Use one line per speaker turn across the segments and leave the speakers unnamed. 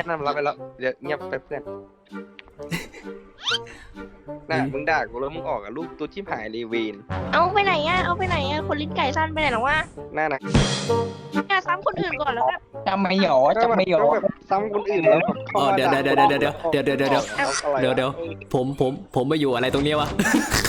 นั่นรับไปแล้วเดี๋ยวเงียบไปเพื่อนน่ะมึงด่ากูแล้วมึงออกกับลูกตัวชิบหายเลยเวน
เอาไปไหนอ่ะเอาไปไหนอ่ะคนลิ้นไก่สั้นไปไหนหรอวะ
น่านะ
เนี่ยซ้ำคนอื่นก่อนแล้วแบบ
จำไม่หยอจำไม่หยอ
ก็แบบซ้ำคนอื่นแล้วแบบเข้ามา
เดี๋ยวผมมาอยู่อะไรตรงนี้วะ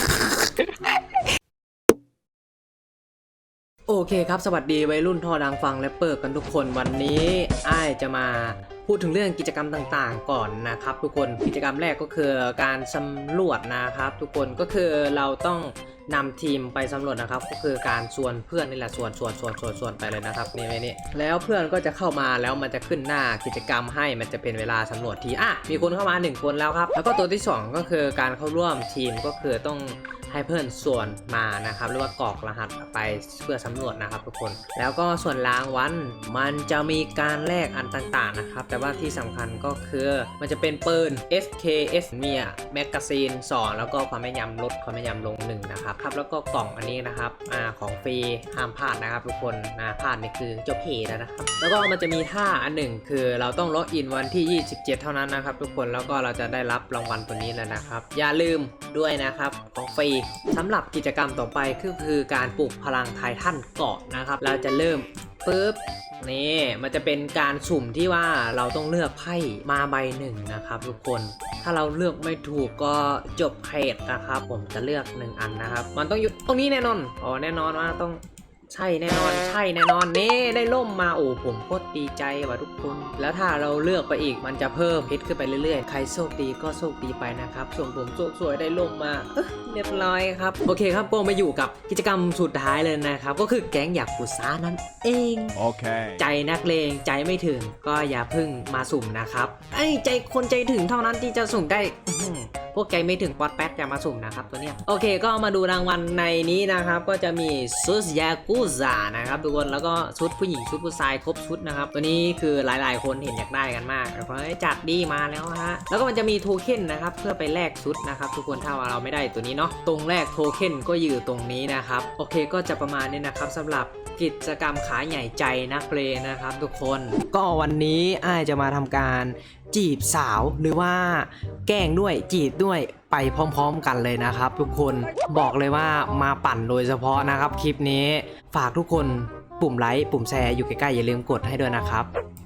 โอเคครับสวัสดีวัยรุ่นท่อดังฟังและเปิดกันทุกคนวันนี้อ้ายจะมาพูดถึงเรื่องกิจกรรมต่างๆก่อนนะครับทุกคนกิจกรรมแรกก็คือการสำรวจนะครับทุกคนก็คือเราต้องนำทีมไปสำรวจนะครับก็คือการชวนเพื่อนนี่แหละชวนไปเลยนะครับนี่แล้วเพื่อนก็จะเข้ามาแล้วมันจะขึ้นหน้ากิจกรรมให้มันจะเป็นเวลาสำรวจทีมีคนเข้ามา1คนแล้วครับแล้วก็ตัวที่2ก็คือการเข้าร่วมทีมก็คือต้องให้เพื่อนส่วนมานะครับหรือว่ากรอกรหัสไปเพื่อสำรวจนะครับทุกคนแล้วก็ส่วนรางวัลมันจะมีการแลกอันต่างๆนะครับแต่ว่าที่สำคัญก็คือมันจะเป็นปืน SKS มีแมกกาซีน2แล้วก็ความแม่นยำลดความแม่นยำลง1นะครับแล้วก็กล่องอันนี้นะครับของฟรีห้ามพลาดนะครับทุกคนพลาดนี่คือจบเพจแล้วนะครับแล้วก็มันจะมีท่าอันหนึ่งคือเราต้องล็อกอินวันที่27เท่านั้นนะครับทุกคนแล้วก็เราจะได้รับรางวัลตัวนี้แล้วนะครับอย่าลืมด้วยนะครับของฟรีสำหรับกิจกรรมต่อไปคือการปลุกพลังไททันเกาะนะครับเราจะเริ่มปุ๊บนี่มันจะเป็นการสุ่มที่ว่าเราต้องเลือกไพ่มาใบหนึ่งนะครับทุกคนถ้าเราเลือกไม่ถูกก็จบเพจนะครับผมจะเลือก1อันนะครับมันต้องอยู่ตรงนี้แน่นอนแน่นอนว่าต้องใช่แน่นอนนี่ได้ล่มมาผมโคตรดีใจว่ะทุกคนแล้วถ้าเราเลือกไปอีกมันจะเพิ่มเพชรขึ้นไปเรื่อยๆใครโชคดีก็โชคดีไปนะครับส่วนผมโชคสวยได้ล่มมาเรียบร้อยครับโอเคครับก็มาอยู่กับกิจกรรมสุดท้ายเลยนะครับก็คือแก๊งอยากกุซ่านั่นเองโอเคใจนักเลงใจไม่ถึงก็อย่าพึ่งมาสุ่มนะครับใจคนใจถึงเท่านั้นที่จะสุ่มได้พวกใจไม่ถึงป๊อดแป๊ดอย่ามาสุ่มนะครับตัวเนี้ยโอเคก็มาดูรางวัลในนี้นะครับก็จะมีชุดยากุซ่านะครับทุกคนแล้วก็ชุดผู้หญิงชุดผู้ชายครบชุดนะครับตัวนี้คือหลายๆคนเห็นอยากได้กันมากเพราะจัดดีมาแล้วฮะแล้วก็มันจะมีโทเค็นนะครับเพื่อไปแลกชุดนะครับทุกคนถ้าว่าเราไม่ได้ตัวนี้เนาะตรงแรกโทเค็นก็อยู่ตรงนี้นะครับโอเคก็จะประมาณนี้นะครับสำหรับกิจกรรมขาใหญ่ใจนักเลงนะครับทุกคนก็วันนี้อ้ายจะมาทำการจีบสาวหรือว่าแกล้งด้วยจีบด้วยไปพร้อมๆกันเลยนะครับทุกคนบอกเลยว่ามาปั่นโดยเฉพาะนะครับคลิปนี้ฝากทุกคนปุ่มไลค์ปุ่มแชร์อยู่ใกล้ๆอย่าลืมกดให้ด้วยนะครับ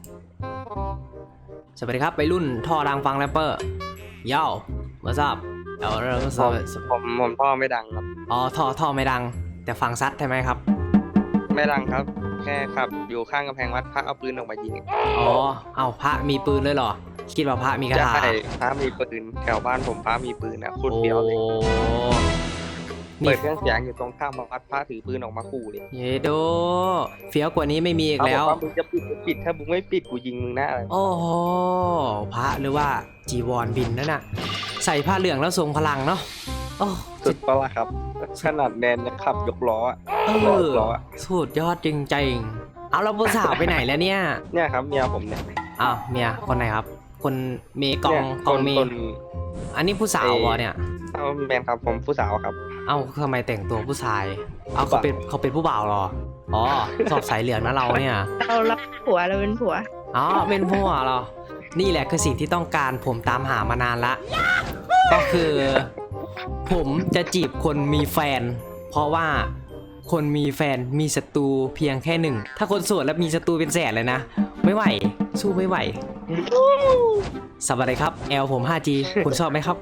สวัสดีครับไปรุ่นท่อดังฟังแรปเปอร์ย่ามาทราบเอาเรื่อง
ผมท่อไม่ดังครับ
ท่อไม่ดังแต่ฟังซัดใช่ไหมครับ
ไม่ดังครับแค่ขับอยู่ข้างกำแพงวัดพระเอาปืนออกมายิง
เอาพระมีปืนเลยเหรอคิดว่าพระมีกระถา
ใช่พระมีปืนแถวบ้านผมพระมีปืนนะพูดเดียวเลยเปิดเครื่องเสียงอยู่ตรงข้ามวัดพระถือปืนออกมาขู่เลย
เยโดเฟี้ยวกว่านี้ไม่มีอีกแล้ว
มึงจะปิดถ้ามึงไม่ปิดกูยิงมึงนะอะไร
โอ้โหพระหรือว่าจีวรบินนั่นน่ะใส่ผ้าเหลืองแล้วทรงพลังเนาะ
สุดปะล่ะครับขนาดแนนยังขับยกล้อ
สุดยอดจริงๆเอาเราผู้สาวไปไหนแล้วเนี่ย
ครับเมียผมเนี่ย
เมียคนไหนครับคนเมกองเมอันนี้ผู้สาววะเนี่ย
แมนครับผมผู้สาวครับ
ทำไมแต่งตัวผู้ชายเขาเป็นผู้บ่าวหรอสอบสายเหลืองนะเราเนี่ย
เราผัวเราเป็นผัว
เป็นผัวเหรอนี่แหละคือสิ่งที่ต้องการผมตามหามานานละก็คือผมจะจีบคนมีแฟนเพราะว่าคนมีแฟนมีศัตรูเพียงแค่หนึ่งถ้าคนโสดแล้วมีศัตรูเป็นแสนเลยนะไม่ไหวสู้ไม่ไหวสวัสดีครับแอลผม 5G คุณชอบไหมครับ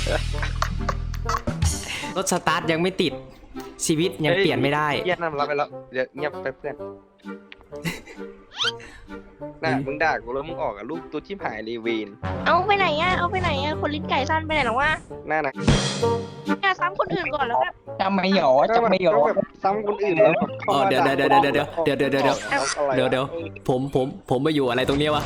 รถสตาร์ทยังไม่ติดชีวิตยังเปลี่ยนไม่ได้
เงียบรับไปแล้วเดี๋ยวเงียบไปเพื่อนน่ะมึงด่ากูแล้วมึงออกกับลูกตัวชิบหายเลยเวน
เอาไปไหนอ่ะเอาไปไหนอ่ะคนลิ้นไก่สั้นไปไหนหรอวะ
น่านะ
เนี่ยซ้ำคนอื่นก่อนแล้วแบบ
จำไม่หยอ
แบบซ้ำคนอื่นแล้วแบบ
เดี๋ยวผมมาอยู่อะไรตรงนี้วะ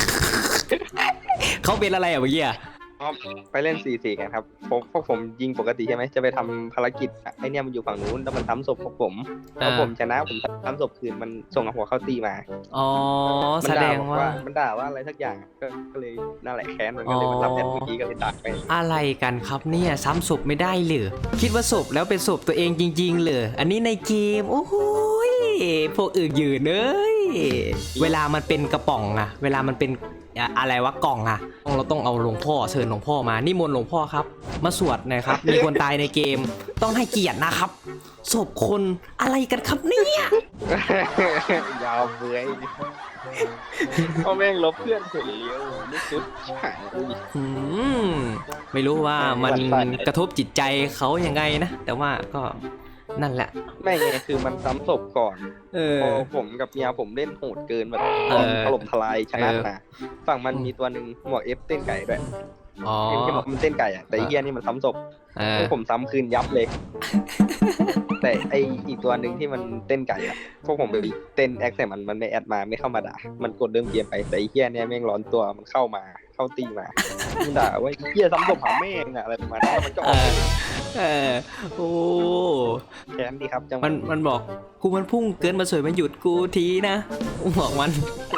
เขาเป็นอะไรเมื่อกี้
ไปเล่น4-4กันครับพวกผมยิงปกติใช่ไหมจะไปทำภารกิจไอเนี่ยมันอยู่ฝั่งนู้นแล้วมันทำศพพวกผมพอผมชนะผมทำศพคืนมันส่งหัวเข้าตีมา
แสดงว่า
มันด่าว่าอะไรสักอย่างก็เลยน่าแหละแค้นมันก็เลยมันรับแทนเมื่อกี้ก็เลยตัดไป
อะไรกันครับเนี่ยซ้ำศพไม่ได้หรือคิดว่าศพแล้วเป็นศพตัวเองจริงๆเลยอันนี้ในเกมโอ้โหพวกอื่นยืนเลยเวลามันเป็นกระป๋องอะเวลามันเป็นอะไรวะกล่องอะเราต้องเอาหลวงพ่อเชิญหลวงพ่อมานิมนต์หลวงพ่อครับมาสวดหน่อยครับมีคนตายในเกมต้องให้เกียรตินะครับศพคนอะไรกันครับเนี่ย
ยาวเบื่อยพ่อแม่งลบเพื่อนคนเลี้ยวนี่สุดหาย
ไม่รู้ว่ามันกระทบจิตใจเขายังไงนะแต่ว่าก็นั่นแหละ
ไม่ไงคือมันซ้ำศพก่อน
เออ
พอผมกับเมียผมเล่นโหดเกินแบบ
เออ
ถล่มทลายชนะนะฝั่งมันมีตัวหนึ่งหมวกเอฟเต้นไก่ด้วย
อ๋อ
เอ็มที่บอกมันเต้นไก่อะแต่ไอ้เฮียนี่มันซ้ำศพ
เออ
พวกผมซ้ำคืนยับเลย แต่ไออีกตัวหนึ่งที่มันเต้นไก่อะพวกผมไปเต้นแอคใส่มันไม่แอดมาไม่เข้ามาด่ามันกดเริ่มเกมไปแต่ไอ้เฮียเนี่ยแม่งร้อนตัวมันเข้าตีมามันด่าว่าเฮียซ้ำศพหาแม่งอะอะไรประมาณนั้นมันก็ออก
เออโอ้
แค้นดีครับจังหวะ
มันบอกกูมันพุ่งเกินมาสวยมาหยุดกูทีนะบอกมัน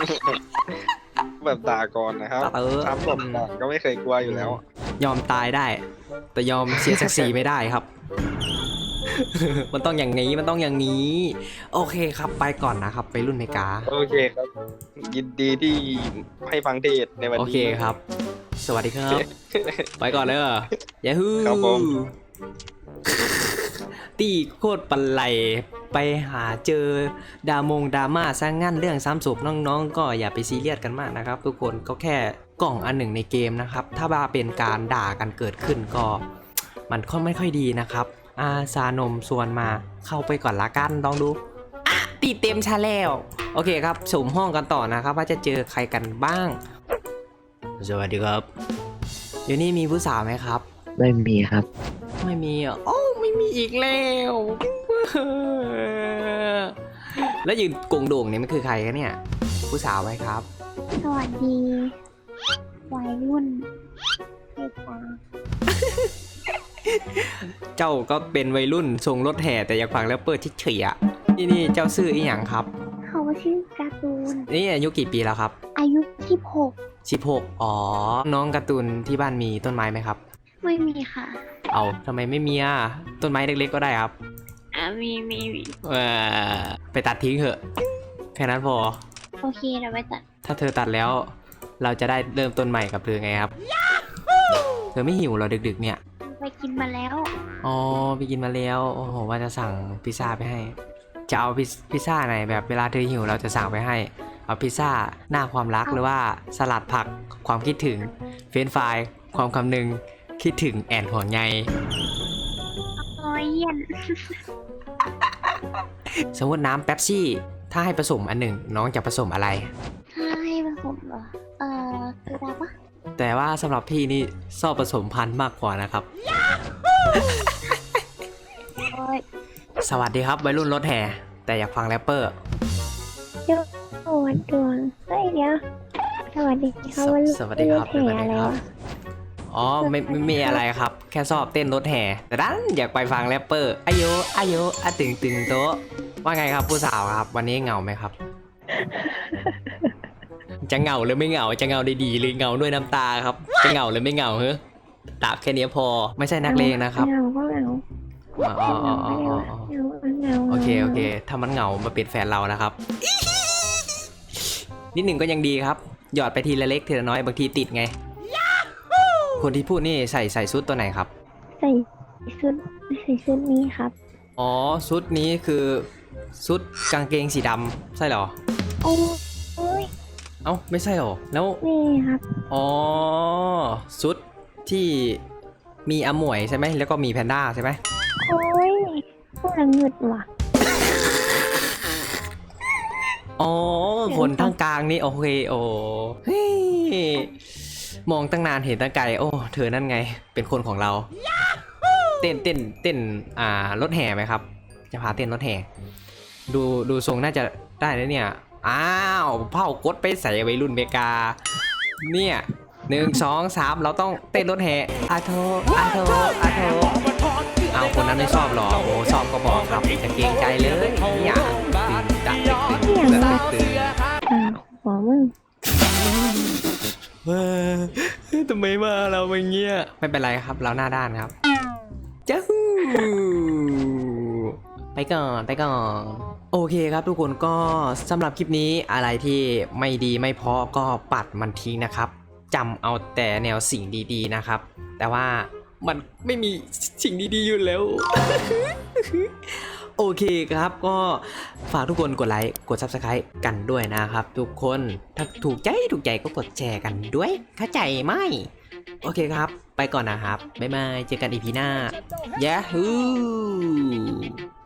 แบบด่าก่อนนะครับ ซ้ำศพก่อนก็ไม่เคยกลัวอยู่แล้ว
ยอมตายได้ แต่ยอมเสียศักดิ์ศรีไม่ได้ครับ มันต้องอย่างนี้มันต้องอย่างนี้ โอเคครับไปก่อนนะครับไปรุ่นเมกา
โอเคครับ ยินดีที่ให้ฟังเทศในวัน
โอ
นี้
เคครับ สวัสดีครับ ไปก่อนเลยยาฮู
ครับผม
ตีโคตรปันไหลไปหาเจอดราม่าซะงั้นเรื่องซ้ำศพน้องๆ ก็อย่าไปซีเรียสกันมากนะครับ ทุกคนก็แค่กล่องอันหนึ่งในเกมนะครับ ถ้าว่าเป็นการด่ากันเกิดขึ้นก็มันก็ไม่ค่อยดีนะครับอาซานมส่วนมาเข้าไปก่อนละกันลองดูอ่ะตีเต็มชาแล้วโอเคครับสุ่มห้องกันต่อนะครับ ว่าจะเจอใครกันบ้าง สวัสดีครับเดี๋ยวนี้มีผู้สาวไหมครับ
ไม่มีครับ
ไม่มีอ่ะโอ้ไม่มีอีกแล้ว แล้วยืนโกงโด่งเนี่ยมันคือใครกันเนี่ย ผู้สาวไหมครับ
สวัสดีวัยรุ่นเด็กตา
เจ้าก็เป็นวัยรุ่นทรงรถแห่แต่อยากฟังแล้วเปิดเฉยๆอ่ะนี่เจ้าชื่ออีหยังครับ
เขาชื่อการ์ตูน
นี่อายุกี่ปีแล้วครับ
อายุ
16อ๋อน้องการ์ตูนที่บ้านมีต้นไม้ไหมครับ
16ไม่มีค่ะ
เอาทำไมไม่มีอ่ะต้นไม้เล็กๆก็ได้ครับ
มี
ไปตัดทิ้งเถอะแค่นั้นพอ
โอเคเดี๋ยวไปตัด
ถ้าเธอตัดแล้วเราจะได้เริ่มต้นใหม่กับเธอไงครับ เธอไม่หิวเหรอดึกๆเนี่ย
ไปกินมาแล้ว
อ๋อไปกินมาแล้วโอ้โหว่าจะสั่งพิซซ่าไปให้ จะเอาพิซซ่าไหนแบบเวลาเธอหิวเราจะสั่งไปให้เอาพิซซ่าหน้าความรักหรือว่าสลัดผักความคิดถึงเฟรนช์ฟรายความคำนึงคิดถึงแอนห่วงใย
เยี่ยน
สมมติน้ำเป๊ปซี่ถ้าให้ผสมอันหนึ่งน้องจะผสมอะไร
ถ้าให้ผสมเหรอคืออะไรวะ
แต่ว่าสำหรับพี่นี่ชอบผสมพันธุ์มากกว่านะครับ
โอ้ย
สวัสดีครับวัยรุ่นรถแห่แต่อยากฟังแรปเปอร์
โอ้ยดวงเฮ้ยเดี๋ยวสวัสดีค่ะวัน
สวัสดีครับ
แห่อะไรวะ
อ๋อไม่มีอะไรครับแค่ชอบเต้นรถแห่แต่ดันอยากไปฟังแรปเปอร์อายุอะตึงโต๊ะว่าไงครับผู้สาวครับวันนี้เหงาไหมครับ จะเหงาหรือไม่เหงาจะเหงาดีๆหรือเหงาด้วยน้ำตาครับจะเหงาหรือไม่เหงาเฮ้ยตาแค่นี้พอไม่ใช่นักเลงนะครับ
เหงาก็เหงา
อ๋อ
เหงา
โอเคถ้ามันเหงามาเป็นแฟนเรานะครับ นิดหนึ่งก็ยังดีครับหยอดไปทีละเล็กทีละน้อยบางทีติดไงคนที่พูดนี่ใส่ชุดตัวไหนครับ
ใส่ชุดนี้ครับ
อ๋อชุดนี้คือชุดกางเกงสีดำใช่เหรอ
โอ้ย
เอ้าไม่ใช่เหรอแล้ว
นี่ครับ
อ๋อชุดที่มีอาหมวยใช่ไหมแล้วก็มีแพนด้าใช่ไหม
โอ้ยพวกเราเงึดว่ะ
อ๋อคนทางกลางนี่โอเคโอ้เฮ้ยมองตั้งนานเห็นตั้งไกลโอ้เธอนั่นไงเป็นคนของเราเต้นรถแห่ไหมครับจะพาเต้นรถแห่ดูทรงน่าจะได้นะเนี่ยอ้าวเผากดไปใส่วัยรุ่นเมกาเนี่ย1 2 3เราต้องเต้นรถแห่อาโทเอาคนนั้นไม่ชอบหรอโอ้ชอบก็บอกครับจะเกรงใจเลยเนี่ยตึง
หัวมึง
ทำไมมาเราอย่างเงี้ยไม่เป็นไรครับเราหน้าด้านครับจ้าไปก่อนโอเคครับทุกคนก็สำหรับคลิปนี้อะไรที่ไม่ดีไม่เพราะก็ปัดมันทิ้งนะครับจำเอาแต่แนวสิ่งดีๆนะครับ แต่ว่ามันไม่มีสิ่งดีๆอยู่แล้ว โอเคครับก็ฝากทุกคนกดไลค์กด Subscribe กันด้วยนะครับทุกคนถ้าถูกใจก็กดแชร์กันด้วยเข้าใจไหมโอเคครับไปก่อนนะครับบ๊ายบายเจอกันอีพีหน้า Yahoo